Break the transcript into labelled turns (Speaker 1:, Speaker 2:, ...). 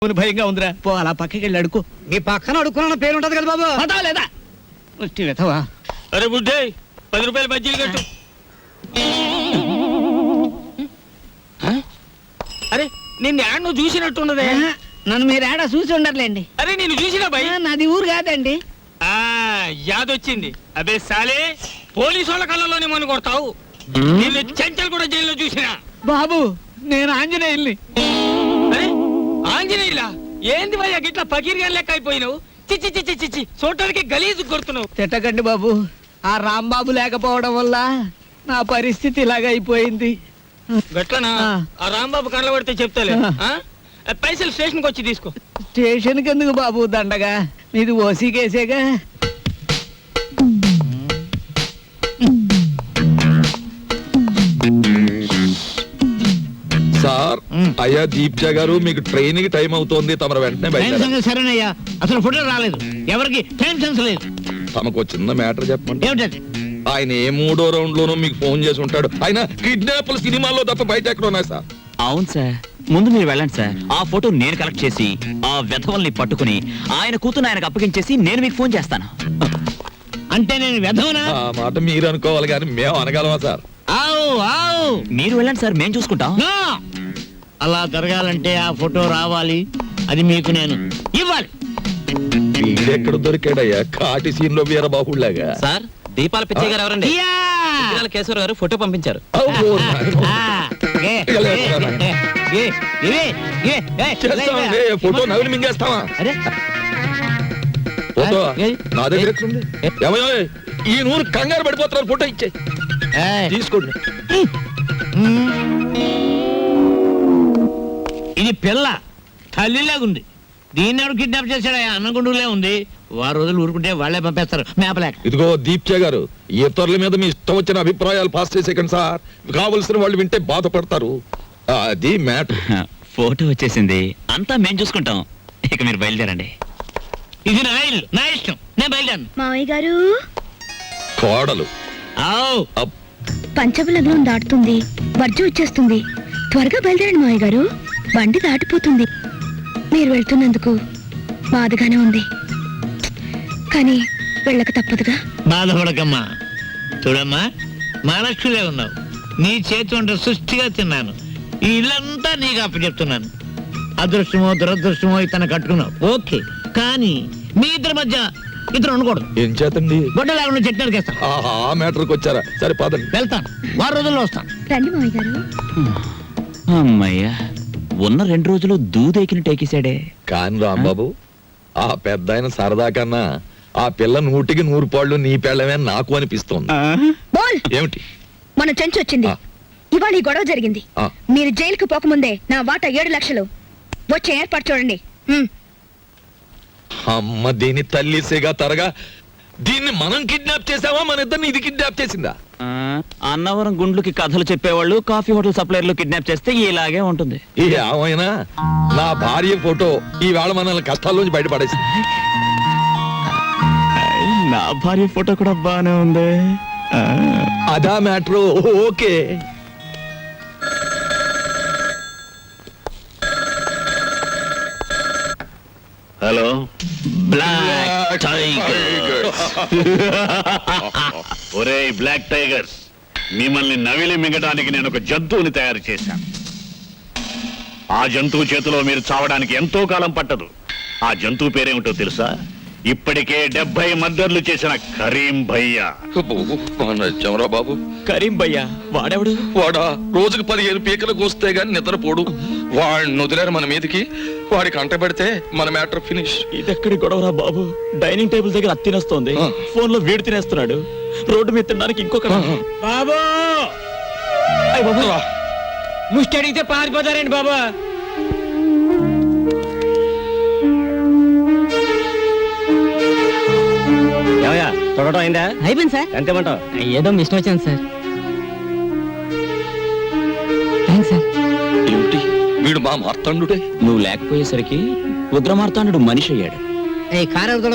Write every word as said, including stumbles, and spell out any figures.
Speaker 1: భయంగా ఉందిరా. పో అలా పక్కకి వెళ్ళి అడుకో.
Speaker 2: నీ పక్కన అడుక్కున్న పేరు ఉంటది కదా బాబు.
Speaker 1: పదా లేదా వెతవా.
Speaker 3: అరే బుడ్డే పది రూపాయలు బజ్జీలు కట్టు. అరే నిన్ను యాడ్ నువ్వు చూసినట్టున్నదే.
Speaker 2: నన్ను మీరు ఏడా చూసి ఉండర్లేండి.
Speaker 3: అరే నేను చూసినా భయ్.
Speaker 2: నాది ఊరు కాదండి.
Speaker 3: ఆ యాదొచ్చింది. అదే సాలే పోలీసు వాళ్ళ కళ్ళలోనే మన కొడతావు. నిన్ను చెంచల్ కూడా జైల్లో చూసినా.
Speaker 1: బాబు నేను ఆంజనేయుల్ని.
Speaker 3: అరే ఆంజనేయులా ఏంది భయ్యా గిట్లా పకీర్గా లెక్క అయిపోయినావు. చిచ్చి చిచ్చి చిచ్చి చూడటానికి గలీజు కొడుతున్నావు.
Speaker 1: తిట్టకండి బాబు. ఆ రాంబాబు లేకపోవడం వల్ల నా పరిస్థితి ఇలాగ అయిపోయింది.
Speaker 3: గట్లనా? ఆ రాంబాబు కళ్ళ పడితే చెప్తాలే. పైసలు స్టేషన్కి వచ్చి తీసుకో.
Speaker 1: స్టేషన్కి ఎందుకు బాబు దండగా, మీది ఓసీ కేసేగా.
Speaker 4: సార్ అయ్యా దీప్జా గారు మీకు ట్రైన్ కి టైం అవుతోంది, తమరు వెంటనే బయట.
Speaker 2: సరేనయ్యా, అసలు ఫోటో రాలేదు, ఎవరికి టైం సెన్స్ లేదు.
Speaker 4: తమకు చిన్న మ్యాటర్ చెప్పండి.
Speaker 2: ఏమిటది?
Speaker 4: ఆయన ఏ మూడో రౌండ్ లోనూ మీకు ఫోన్ చేసి ఉంటాడు. ఆయన కిడ్నాప్ల సినిమాల్లో తప్ప బయట ఎక్కడ ఉన్నాయి సార్?
Speaker 5: అవును సార్, ముందు మీరు వెళ్ళండి సార్. ఆ ఫోటో నేను కలెక్ట్ చేసి ఆ వెధవల్ని పట్టుకుని ఆయన కూతురు ఆయనకు అప్పగించేసి నేను మీకు ఫోన్ చేస్తాను.
Speaker 2: అంటే నేను వెధవనా?
Speaker 4: ఆ మాట మీరు అనుకోవాలి కానీ మేము అనగలమా సార్?
Speaker 2: ఆవు ఆవు
Speaker 5: మీరు వెళ్ళండి సార్, మేము చూసుకుంటాం.
Speaker 2: అలా జరగాలంటే ఆ ఫోటో రావాలి, అది మీకు నేను ఇవ్వాలి.
Speaker 4: వీడెక్కడ దొరికాడయ్యా కాటి సీన్ లో వీరబాహుళ్లాగా?
Speaker 5: సార్ దీపాల పిచ్చయ్య గారు ఎవరండి? కేశవర్ గారు ఫోటో పంపించారు.
Speaker 4: ఫోటో నవిలి మింగేస్తావా? ఫోటో నా దగ్గర ఎక్కడుంది? ఏమయ్యో ఈ నూరు కంగారు పడిపోతున్నారు, ఫోటో ఇచ్చే తీసుకోండి.
Speaker 2: ఇది పిల్ల తల్లిలాగుంది, దీన్ని ఎవరు కిడ్నాప్ చేశాడా? అన్నగుండులే ఉంది. వారు రోజులు ఊరుకుంటే వాళ్లే పంపేస్తారు మేపలేక.
Speaker 4: ఇదిగో దీప్చే గారు, ఇతరుల మీద మీ ఇష్టం వచ్చిన అభిప్రాయాలు పాస్ చేసేకండి సార్. కావలసిన వాళ్ళు వింటే బాధపడతారు. అది మ్యాటర్.
Speaker 5: ఫోటో వచ్చేసింది, అంతా మేము చూసుకుంటాం. ఇక మీరు బయలుదేరండి.
Speaker 2: ఇది నా ఇల్లు, నా ఇష్టం, నేను బయలుదేరను.
Speaker 6: మావయ్య గారు,
Speaker 4: కోడలు
Speaker 6: పంచబలగ్నం దాటుతుంది, వర్జం వచ్చేస్తుంది, త్వరగా బయలుదేరండి మావయ్య గారు, బండి దాటిపోతుంది. మీరు వెళ్తున్నందుకు బాధగానే ఉంది, కానీ వెళ్ళక తప్పదుగా.
Speaker 2: బాధపడకమ్మా. చూడమ్మా, మహాలక్ష్మిలే ఉన్నావు, నీ చేతి వంట సృష్టిగా తిన్నాను, ఈ ఇల్లంతా నీకు అప్పచెప్తున్నాను. అదృష్టమో దురదృష్టమో ఇతను కట్టుకున్నావు, ఓకే, కానీ మీ ఇద్దరి మధ్య ఇద్దరు ఉండకూడదు.
Speaker 4: ఏం చేతండి?
Speaker 2: గొడ్డ లేకుండా చెట్టు నరికేస్తాను.
Speaker 4: ఆ మ్యాటర్కి వచ్చారా? సరే పదండి.
Speaker 2: వెళ్తాను, వారం రోజుల్లో వస్తాను.
Speaker 6: రండి మావయ్య గారు.
Speaker 5: అమ్మయ్యా, ఉన్న రెండు రోజులు దూదెకిని టేకేశాడే.
Speaker 4: కాని రాంబాబు, ఆ పెద్ద ఆయన సరదా కన్నా ఆ పిల్ల నూటికి నూరు పాళ్ళు నీ పెళ్ళమే నాకు అనిపిస్తోంది.
Speaker 6: బోల్!
Speaker 4: ఏమిటి?
Speaker 6: మన చెంచు వచ్చింది, ఇవాళ ఈ గొడవ జరిగింది. మీరు జైలుకు పోకముందే నా వాటా ఏడు లక్షలు వచ్చే ఏర్పాటు చూడండి.
Speaker 4: అమ్మ దీని తల్లిసేగా తరగా, దీన్ని మనం కిడ్నాప్ చేసావా, మన ఇద్దరిని ఇది కిడ్నాప్ చేసిందా?
Speaker 5: అన్నవరం గుండ్లకి కథలు చెప్పేవాళ్ళు కాఫీ హోటల్ సప్లైర్లు కిడ్నాప్ చేస్తే ఇలాగే ఉంటుంది.
Speaker 4: ఏమైనా నా భార్య ఫోటో ఈ వేళ మనల్ని కష్టాల్లోంచి బయటపడేసింది.
Speaker 5: నా భార్య ఫోటో కూడా బానే ఉంది.
Speaker 4: అదా matter. Okay.
Speaker 5: Hello black tigers.
Speaker 7: ఒరే బ్లాక్ టైగర్స్, మిమ్మల్ని నవిలి మింగడానికి నేను ఒక జంతువుని తయారు చేశాను. ఆ జంతువు చేతిలో మీరు చావడానికి ఎంతో కాలం పట్టదు. ఆ జంతువు పేరేమిటో తెలుసా? ఇప్పటికే డెబ్బై మర్డర్లు చేసిన కరీం భయ్యా.
Speaker 4: చమరా బాబు,
Speaker 5: కరీం భయ్యా వాడెవడు?
Speaker 4: వాడా రోజుకు పదిహేను పీకలకు వస్తే గాని నిద్రపోడు. వాడిని వదిలేరు మన మీదకి, వాడికి అంట పెడితే మన మ్యాటర్ ఫినిష్.
Speaker 5: ఇదెక్కడి గొడవరా బాబు? డైనింగ్ టేబుల్ దగ్గర అత్తి తినేస్తోంది, ఫోన్ లో వీడు తినేస్తున్నాడు, రోడ్డు మీద తినడానికి ఇంకొక.
Speaker 2: బాబు ముష్టి అడిగితే పారిపోతారండి బాబా.
Speaker 1: తొడటం అయిందా?
Speaker 2: అయిపోయింది సార్.
Speaker 1: ఎంతేమంటావు?
Speaker 2: ఏదో మిషన్ వచ్చింది సార్. Thanks sir.
Speaker 4: ఏమిటి వీడు మా మార్తాండుడే?
Speaker 5: నువ్వు లేకపోయేసరికి ఉగ్ర మార్తాండు మనిషి అయ్యాడు.
Speaker 2: కారు